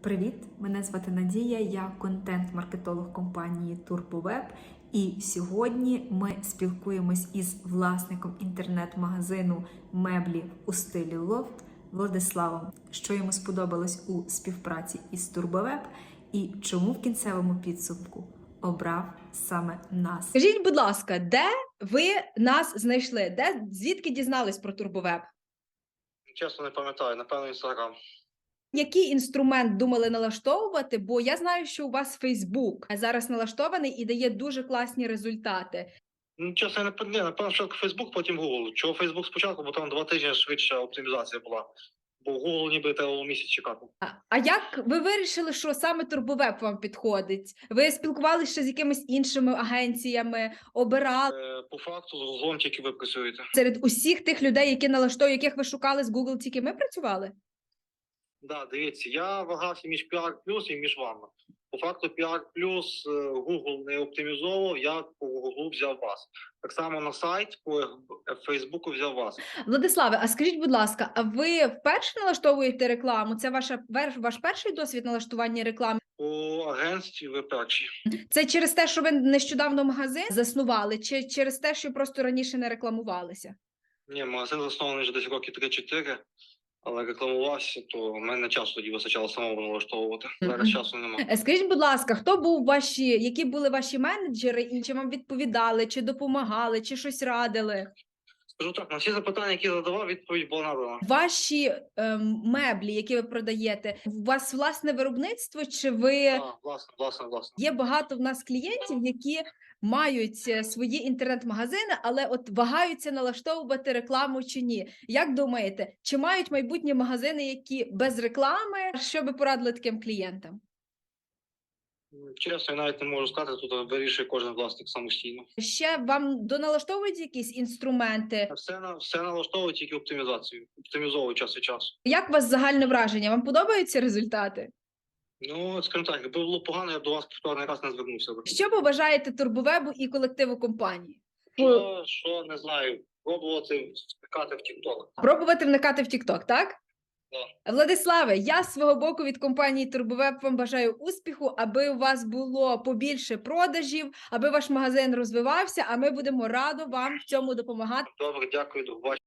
Привіт! Мене звати Надія, я контент-маркетолог компанії TurboWeb. І сьогодні ми спілкуємось із власником інтернет-магазину меблі у стилі лофт Владиславом, що йому сподобалось у співпраці із TurboWeb і чому в кінцевому підсумку обрав саме нас. Скажіть, будь ласка, де ви нас знайшли? Звідки дізнались про TurboWeb? Чесно, не пам'ятаю, напевно, Інстаграм. Який інструмент думали налаштовувати? Бо я знаю, що у вас Facebook зараз налаштований і дає дуже класні результати. Ну, чесно, я напевно, що Фейсбук, потім Google. Чого Фейсбук спочатку, бо там 2 тижні швидша оптимізація була. Бо Google ніби треба було місяць чекати. А як ви вирішили, що саме TurboWeb вам підходить? Ви спілкувалися ще з якимись іншими агенціями, обирали? По факту, з Google тільки ви працюєте. Серед усіх тих людей, які налаштовують, яких ви шукали з Google, тільки ми працювали? Да, дивіться, я вагався між PR Plus і між вами. По факту PR Plus Google не оптимізовував, я по Google взяв вас. Так само на сайт по Фейсбуку взяв вас. Владиславе, а скажіть, будь ласка, а ви вперше налаштовуєте рекламу? Це ваш перший досвід налаштування реклами? По агентстві ви перші. Це через те, що ви нещодавно магазин заснували, чи через те, що просто раніше не рекламувалися? Ні, магазин заснований вже десь роки 3-4. Але рекламувався, то в мене часу тоді вистачало самому налаштовувати. Зараз часу немає. Скажіть, будь ласка, хто був які були ваші менеджери, і чи вам відповідали, чи допомагали, чи щось радили? Скажу так, на всі запитання, які задавав, відповідь була надана. Ваші меблі, які ви продаєте, у вас власне виробництво, чи ви... Так, власне. Є багато в нас клієнтів, які мають свої інтернет-магазини, але от вагаються налаштовувати рекламу чи ні. Як думаєте, чи мають майбутні магазини, які без реклами? Що би порадили таким клієнтам? Чесно, я навіть не можу сказати, тут вирішує кожен власник самостійно. Ще вам доналаштовують якісь інструменти? Все налаштовує тільки оптимізацію. Оптимізовує час від часу. Як у вас загальне враження? Вам подобаються результати? Ну, скажімо так, якби було погано, я б до вас повторний раз не звернувся би. Що побажаєте TurboWeb і колективу компанії? Що, не знаю, пробувати втикати в TikTok. Пробувати вникати в TikTok, так? Так. Владиславе, я з свого боку від компанії TurboWeb вам бажаю успіху, аби у вас було побільше продажів, аби ваш магазин розвивався, а ми будемо радо вам в цьому допомагати. Добре, дякую, до побачення.